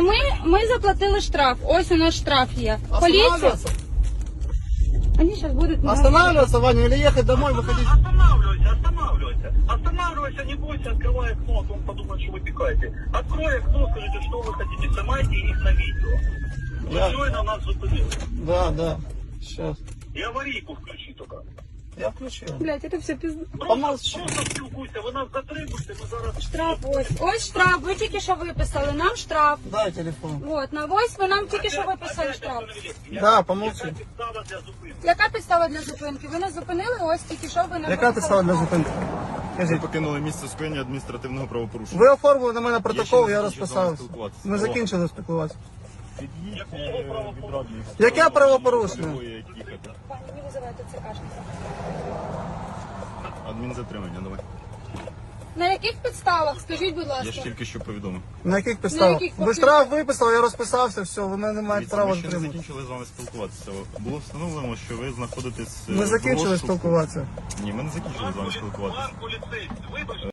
ми заплатили штраф. Ось у нас штраф є. Поліція. Останавливаться? Вони зараз будуть... Останавливаться, Ваня, или ехать домой, выходить? Останавливайся, не бойся, открывай окно, а то он подумает, что вы пикаете. Открой окно, скажите, что вы хотите, снимайте их на видео. Да. Все, на нас зупинили. Да, сейчас. И аварийку включи только. Я включил. Блядь, це все пізно. Помолчи. Просто спілкуйся, ви нас затримуєте, ми зараз... Штраф ось. Ось штраф. Ви тільки що виписали. Нам штраф. Дай телефон. От, на ось ви нам тільки що виписали штраф. Да, помолчи. Підстава для зупинки. Яка підстава для зупинки? Ви нас зупинили, ось тільки що ви нам Яка підстава для зупинки? Ви Скажіть. покинули місце скоєння адміністративного правопорушення. Ви оформили на мене Я протокол, ще я не закінчив з розписався. вами спілкуватися. Ми закінчили спілкуватися. Під'їдьте від радіо. Яке правопорушення? Любої, як їхати. Пані, не визивайте ЦКшника. Адмінзатримання, давай. На яких підставах? Скажіть, будь Я ласка. ж тільки що повідомив. На яких підставах? яких Ви штраф виписали, я розписався, все, ви мене не маєте Дивіться, права ми ще не затримати. закінчили з вами спілкуватися. Було встановлено, що ви знаходитесь... Ми в закінчили розшуку. спілкуватися. Ні, ми не закінчили з вами спілкуватися. Пан поліцейський, вибачте.